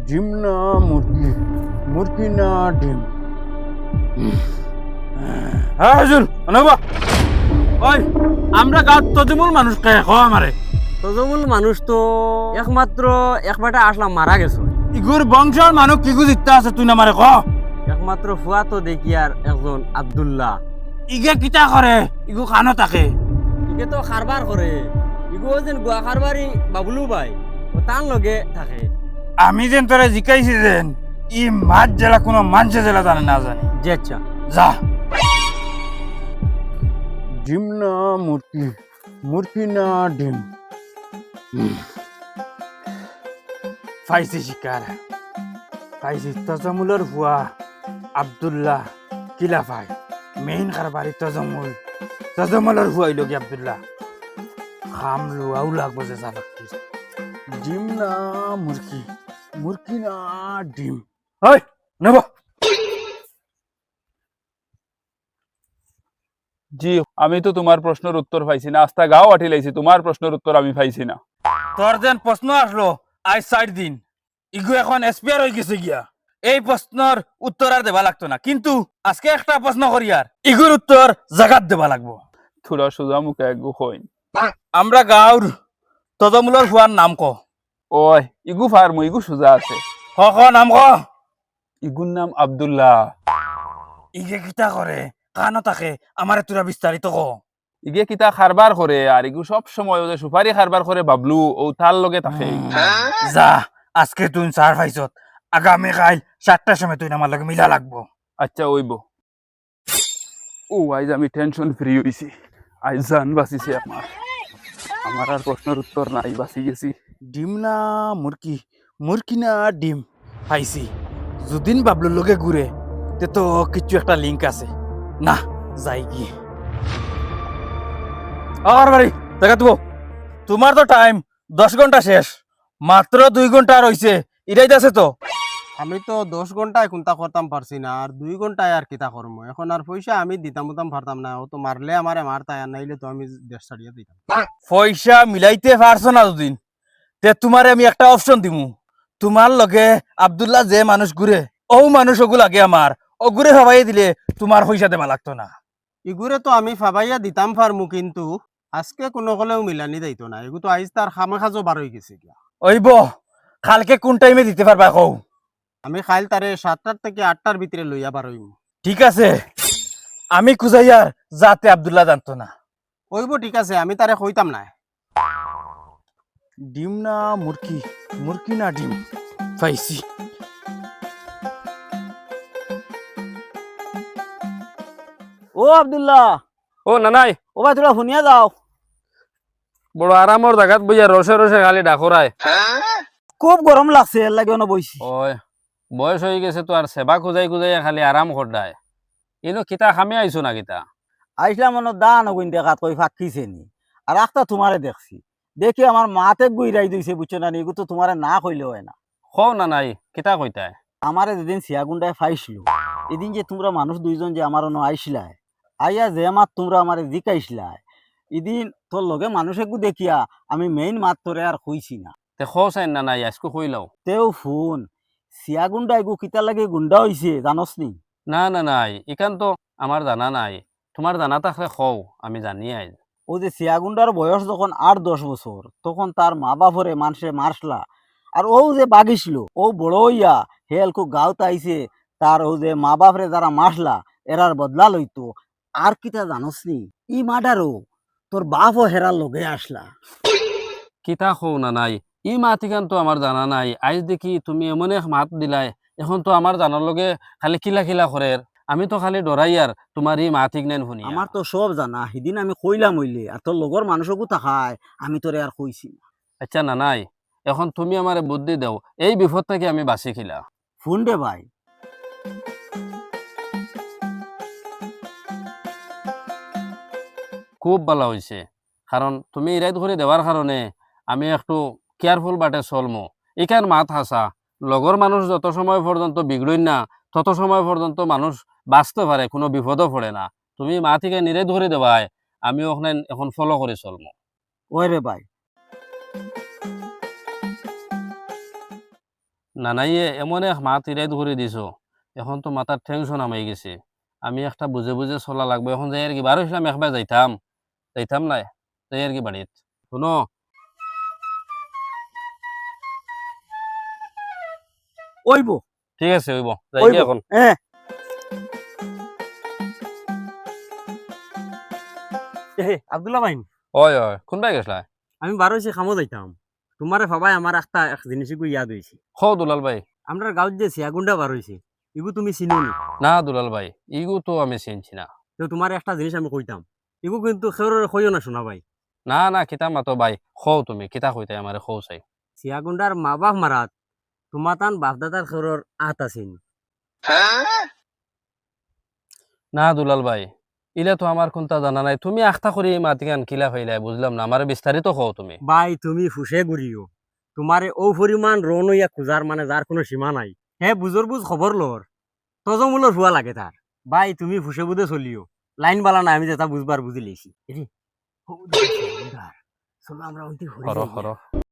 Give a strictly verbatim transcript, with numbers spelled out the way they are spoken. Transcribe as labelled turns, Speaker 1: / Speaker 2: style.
Speaker 1: ডিম না মুরগি, মুরগি না ডিম। হ্যাঁ হুজুর, অনবা ওই আমরা গাঁত তদিমূল মানুষ কে খ আমারে
Speaker 2: তজমূল মানুষ তো একমাত্র একবারটা আসলাম মারা গেছে।
Speaker 1: ইগুর বংশের মানুষ কিগু জিততে আছে তুই না মারে ক।
Speaker 2: একমাত্র ফুয়া তো দেখি আর একজন আব্দুল্লাহ।
Speaker 1: ইগে কিতা করে ইগু খানো থাকে।
Speaker 2: ইকে তো খারবার করে, ইগো যেন গুয়া খারবারি বাবুলু ভাই ও তার লগে থাকে।
Speaker 1: আমি যেন তোরে জিকাইছি যেন ই মাছ জেলা কোনো মানুষে জেলা জানে না জানে।
Speaker 2: জি আচ্ছা,
Speaker 1: যা। ডিম না মুরগি, মুরগি না ডিম। পাইছি শিকার, পাইছি তজমুলের ভুয়া আব্দুল্লাহ কিলা ভাই মেইন কারবারি তজমুল। তজমুলের ভুয়াই লোক আব্দুল্লাহ খাম লোয়াও লাগবো যে জানাকি। ডিম না মুরগি, মুরগি না ডিম। ওই নেব।
Speaker 3: জি, আমি তো তোমার প্রশ্নের উত্তর পাইছি না। আস্তা গাও আঠি লাইছি, তোমার প্রশ্নের উত্তর আমি পাইছি না।
Speaker 1: তোর যেন প্রশ্ন আসলো আজ চার দিন, ইগু এখন এসপিআর হয়ে গেছে গিয়া। এই প্রশ্নের উত্তর আর দেবা লাগতো না, কিন্তু আজকে একটা প্রশ্ন করি আর ইগুর উত্তর জাগাত দেবা লাগবো।
Speaker 3: থোড়া সোজা মুখে একগু কইন।
Speaker 1: আমরা গাঁর তজমুলের ফুয়ার নাম ক।
Speaker 3: ওই ইগু ফার্ম ইগু সোজা আছে।
Speaker 1: ক ক নাম ক।
Speaker 3: ইগুর নাম আব্দুল্লাহ।
Speaker 1: ইগে কিতা করে কানো থাকে আমারে তোরা বিস্তারিত ক।
Speaker 3: ইগে কিতা খারবার করে আর ইগু সব সময় ওদের সুপারি খারবার করে বাবলু ও তার লগে থাকে।
Speaker 1: যা আজকে তুই চার পাইছত, আগামী কাল চারটার সময় তুই আমার লগে মিলা লাগবো।
Speaker 3: আচ্ছা ওইব। ও আজ আমি টেনশন ফ্রি হইছি, আজ জান বাঁচিছে আমার। আমার আর প্রশ্নের উত্তর নাই, বাঁচি গেছি।
Speaker 1: ডিম না মুরগি, মুরগি না ডিম। পাইছি, যদিন বাবলুর লগে ঘুরে তে তো কিছু একটা লিঙ্ক আছে। না যাই কি আর বাড়ি দেখা দেবো। তোমার তো টাইম দশ ঘন্টা শেষ, মাত্র দুই ঘন্টা রয়েছে। এটাই আছে তো।
Speaker 2: আমি তো দশ ঘন্টায় কোনটা করতাম পারছি না, আর দুই ঘন্টায় আর কিতা করবো এখন। আর পয়সা আমি দিতাম উতাম পারতাম না, ও তো মারলে আমারে মারতাই, আর নাইলে তো আমি দেশ ছাড়িয়ে দিতাম।
Speaker 1: পয়সা মিলাইতে পারছো না দুদিন, তে তোমারে আমি একটা অপশন দিমু। তোমার লগে আব্দুল্লাহ যে মানুষ ঘুরে ও মানুষ ওগু লাগে আমার, ও ঘুরে ভাবাই দিলে তোমার পয়সা দেবা লাগতো না।
Speaker 2: ইগুরে তো আমি ফাবাইয়া দিতাম পারমু, কিন্তু আজকে কোনো হলেও মিলানি যাইতো না। এগু তো আইজ তার খামে খাজো বার হয়ে গেছে গিয়া।
Speaker 1: ওইব কালকে কোন টাইমে দিতে পারবা কও।
Speaker 2: আমি খাইল তারে সাতটার থেকে আটটার ভিতরে লইয়া বার হইম।
Speaker 1: ঠিক আছে, আমি খুঁজাইয়ার যাতে আব্দুল্লাহ জানতো না।
Speaker 2: ওইব ঠিক আছে, আমি তারে কইতাম না।
Speaker 1: ডিম না মুরগি, মুরগি না ডিম। পাইছি।
Speaker 2: ও আব্দুল্লাহ,
Speaker 3: ও না নাই,
Speaker 2: ও ভাই তোরা শুনিয়া যাও।
Speaker 3: বড় আরামর জায়গাত বইয়া রসে রসে খালি ডাকরায়।
Speaker 2: খুব গরম লাগছে, এর লাগে অন বইছি।
Speaker 3: ওই বয়স হয়ে গেছে তো আর সেবা খুঁজাই খুঁজাই খালি আরাম করডায়। ইনো কিতা খামে আইছো না কিতা?
Speaker 2: আইসলাম মনে দান ওগুন দেখাত কই ফাঁকিছে নি, আর একটা তোমারে দেখছি। দেখি আমার মাতে গুইরাই দিছে, বুঝছো না? এগু তো তোমারে না কইলে হয় না।
Speaker 3: খও না নাই, কিতা কইতায়?
Speaker 2: আমারে যেদিন সিয়াগুন্ডায় ফাইছিল, এদিন যে তোমরা মানুষ দুইজন যে আমার অন আইসলাই, আইয়া যে মাত তোমরা আমারে জিকাইসলাই, এদিন তোর লগে মানুষ একু দেখিয়া আমি মেইন মাত তোরে আর কইছি না।
Speaker 3: তে খও চাই না নাই, আজকে কইলাও।
Speaker 2: তেও ফোন সিয়াগুন্ডা এগু কিতা লাগে গুন্ডা হইছে জানস নি?
Speaker 3: না না নাই, ইখান তো আমার জানা নাই। তোমার জানা থাকলে খও, আমি জানি আইজ।
Speaker 2: ও যে সিয়াগুন্ডার বয়স যখন আট দশ বছর, তখন তার মা বাপরে মানুষে মারসলা। আর ও যে বাগিছিল, ও বড় হইয়া হেলকু গাঁওতে আইছে, তার ও যে মা বাপরে যারা মারসলা এরার বদলা লইতো। আর কিতা জানস নি? ই মাডারও তোর বাপও হেরার লগে আসলা।
Speaker 3: কিতা খও না নাই, ই মাত ইখান তো আমার জানা নাই। আইজ দেখি তুমি এমন এক মাত দিলাই, এখন তো আমার জানার লগে খালি কিলা কিলা করে। আমি তো খালি ডরাই আর তোমার ই মাত ইগনেন শুনি।
Speaker 2: আমার তো সব জানা, সেদিন আমি কইলাম হইলে, আর তোর লগর মানুষকও থাকায় আমি তোরে আর কইছি না।
Speaker 3: আচ্ছা না নাই, এখন তুমি আমারে বুদ্ধি দাও, এই বিপদ থেকে আমি বাঁচি খিলা।
Speaker 2: ফোন দে ভাই।
Speaker 3: খুব ভালো হয়েছে, কারণ তুমি ইরাইত করে দেওয়ার কারণে আমি একটু কেয়ারফুল বাটে চলমো। এখান মাত হাসা লগর মানুষ যত সময় পর্যন্ত বিগড়ই না, তত সময় পর্যন্ত মানুষ বাঁচতে পারে, কোনো বিপদও পড়ে না। তুমি মা থেকে নিরে ধরে দেওয়ায় আমি ওখানে এখন ফলো করে চলমো।
Speaker 2: ওই রে ভাই।
Speaker 3: নানাইয়ে এমন এক মাত ইরাইত করে দিছ, এখন তো মাথার টেনশন আমাই গেছে। আমি একটা বুঝে বুঝে চলা লাগবে। এখন যাই আর কি বারো ইসলাম একবার যাইতাম যাইতাম না, যাই আর কি বাড়িত। শুনো,
Speaker 2: ওইব
Speaker 3: ঠিক আছে হইব, যাই
Speaker 2: ওইব
Speaker 3: কি এখন।
Speaker 2: হ্যাঁ। আব্দুল্লাহ ভাই,
Speaker 3: ওই ওই কোনবাই গেছলা?
Speaker 2: আমি বারো হয়েছে খামো যাইতাম, তোমারে ভাবাই আমার একটা এক জিনিস ইয়াদ হয়েছে।
Speaker 3: খ দুলাল ভাই।
Speaker 2: আমরা গাঁৱত যে চিয়াগুন্ডা বার হয়েছে, এগু তুমি চিনো নি?
Speaker 3: না দুলাল ভাই, ইগু তো আমি চিনছি না।
Speaker 2: তো তোমার একটা জিনিস আমি কইতাম, এগু কিন্তু খেউরে কইও না শোনা ভাই।
Speaker 3: না না কিতা মাতো ভাই, খও তুমি কিতা কইতাই আমারে খও চাই।
Speaker 2: চিয়াগুন্ডার মা বাপ মারাত তোমার তান বাপদাদার খেউরের আত আছেন।
Speaker 3: না দুলাল ভাই, ইলে তো আমার কোনটা জানা নাই। তুমি আখতা করি মাতিকান কিলা ফাইলাই বুঝলাম না, আমার বিস্তারিত খও তুমি।
Speaker 2: ভাই তুমি ফুসে ঘুরিও, তোমারে ও পরিমাণ রন হইয়া খুঁজার মানে যার কোনো সীমা নাই। হে বুজর বুজ খবর লর তজমূলর হুয়া লাগে তার। ভাই তুমি ফুসে বুঝে চলিও, লাইন বালা না আমি যেটা বুঝবার বুঝি লেছি। চলো আমরা অন্তি
Speaker 3: হর হর